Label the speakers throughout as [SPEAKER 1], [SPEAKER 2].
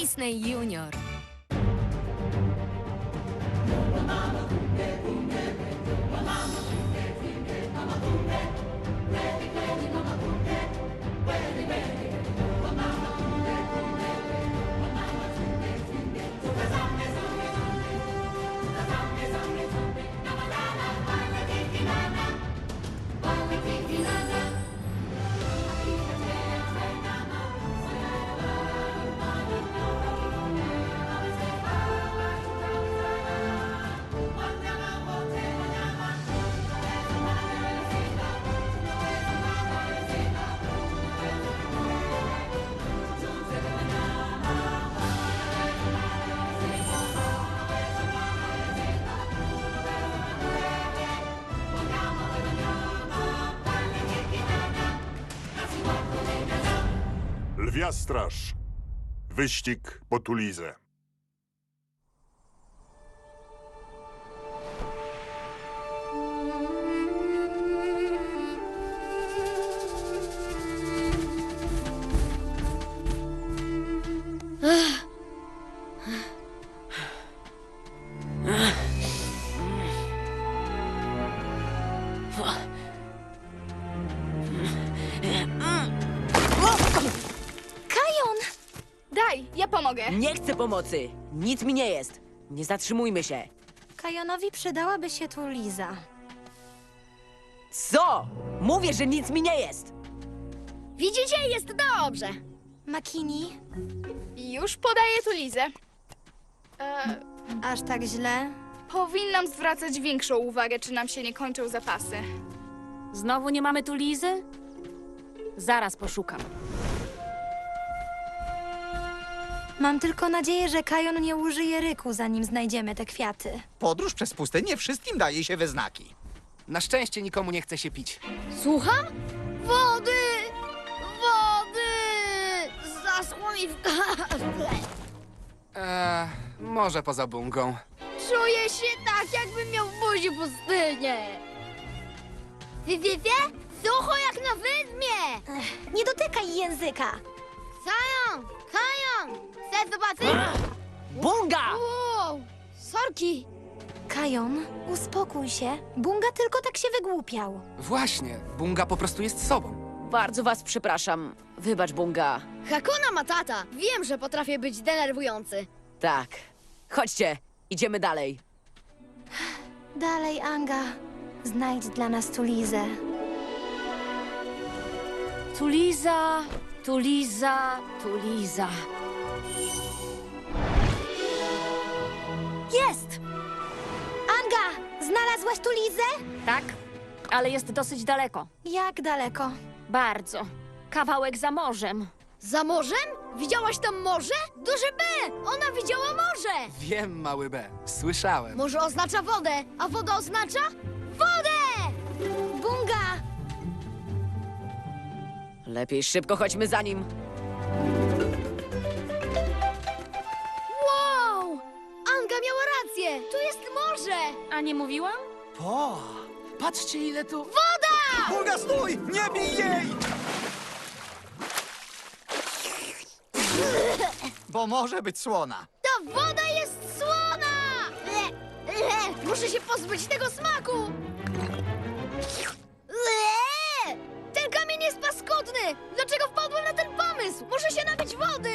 [SPEAKER 1] Disney Junior.
[SPEAKER 2] Lwia Straż. Wyścig po Tulizę.
[SPEAKER 1] Kajon!
[SPEAKER 3] Daj, ja pomogę.
[SPEAKER 4] Nie chcę pomocy! Nic mi nie jest! Nie zatrzymujmy się!
[SPEAKER 1] Kajonowi przydałaby się tu Liza.
[SPEAKER 4] Co? Mówię, że nic mi nie jest!
[SPEAKER 3] Widzicie, jest dobrze.
[SPEAKER 1] Makini,
[SPEAKER 3] Już podaję tu Lizę.
[SPEAKER 1] aż tak źle?
[SPEAKER 3] Powinnam zwracać większą uwagę, czy nam się nie kończą zapasy.
[SPEAKER 5] Znowu nie mamy tu Lizy? Zaraz poszukam.
[SPEAKER 1] Mam tylko nadzieję, że Kajon nie użyje ryku, zanim znajdziemy te kwiaty.
[SPEAKER 6] Podróż przez pustynię wszystkim daje się we znaki.
[SPEAKER 7] Na szczęście nikomu nie chce się pić.
[SPEAKER 8] Słucham? Wody! Wody! Zaschło mi w gardle.
[SPEAKER 7] Może poza bungą.
[SPEAKER 8] Czuję się tak, jakbym miał w buzi pustynię. Wie? Sucho jak na wydmie!
[SPEAKER 1] Nie dotykaj języka!
[SPEAKER 8] Kajon! Chcesz zobaczyć?
[SPEAKER 4] Bunga!
[SPEAKER 8] Wow! Sorki!
[SPEAKER 1] Kajon, uspokój się. Bunga tylko tak się wygłupiał.
[SPEAKER 7] Właśnie, bunga po prostu jest sobą.
[SPEAKER 4] Bardzo was przepraszam. Wybacz, Bunga.
[SPEAKER 8] Hakuna Matata! Wiem, że potrafię być denerwujący.
[SPEAKER 4] Tak. Chodźcie, idziemy dalej.
[SPEAKER 1] Dalej, Anga. Znajdź dla nas tu Lizę.
[SPEAKER 5] Tu Liza, tu Liza, tu Liza.
[SPEAKER 1] Jest! Anga, znalazłaś tu Lizę?
[SPEAKER 5] Tak, ale jest dosyć daleko.
[SPEAKER 1] Jak daleko?
[SPEAKER 5] Bardzo. Kawałek za morzem.
[SPEAKER 8] Za morzem? Widziałaś tam morze? Duże B! Ona widziała morze!
[SPEAKER 7] Wiem, mały B. Słyszałem.
[SPEAKER 8] Morze oznacza wodę, a woda oznacza wodę!
[SPEAKER 1] Bunga!
[SPEAKER 4] Lepiej szybko chodźmy za nim.
[SPEAKER 8] Wow! Anga miała rację! Tu jest morze!
[SPEAKER 5] A nie mówiłam?
[SPEAKER 7] Patrzcie, ile tu...
[SPEAKER 6] Bunga, stój! Nie bij jej! Bo może być słona.
[SPEAKER 8] Ta woda jest słona! Muszę się pozbyć tego smaku! Ten kamień jest paskudny! Dlaczego wpadłem na ten pomysł? Muszę się napić wody!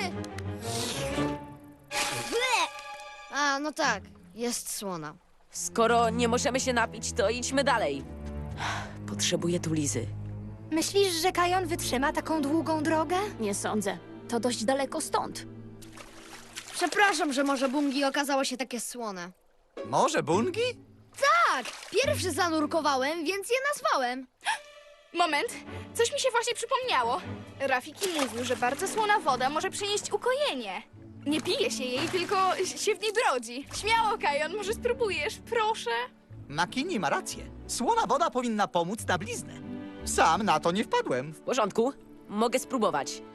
[SPEAKER 8] A, no tak. Jest słona.
[SPEAKER 4] Skoro nie możemy się napić, to idźmy dalej. Potrzebuję tu Lizy.
[SPEAKER 1] Myślisz, że Kajon wytrzyma taką długą drogę?
[SPEAKER 5] Nie sądzę. To dość daleko stąd.
[SPEAKER 8] Przepraszam, że morze Bungi okazało się takie słone.
[SPEAKER 6] Może Bungi?
[SPEAKER 8] Tak! Pierwszy zanurkowałem, więc je nazwałem.
[SPEAKER 3] Moment, coś mi się właśnie przypomniało. Rafiki mówił, że bardzo słona woda może przynieść ukojenie. Nie pije się jej, tylko się w niej brodzi. Śmiało, Kajon, może spróbujesz, proszę.
[SPEAKER 6] Makini ma rację. Słona woda powinna pomóc na bliznę. Sam na to nie wpadłem.
[SPEAKER 4] W porządku, mogę spróbować.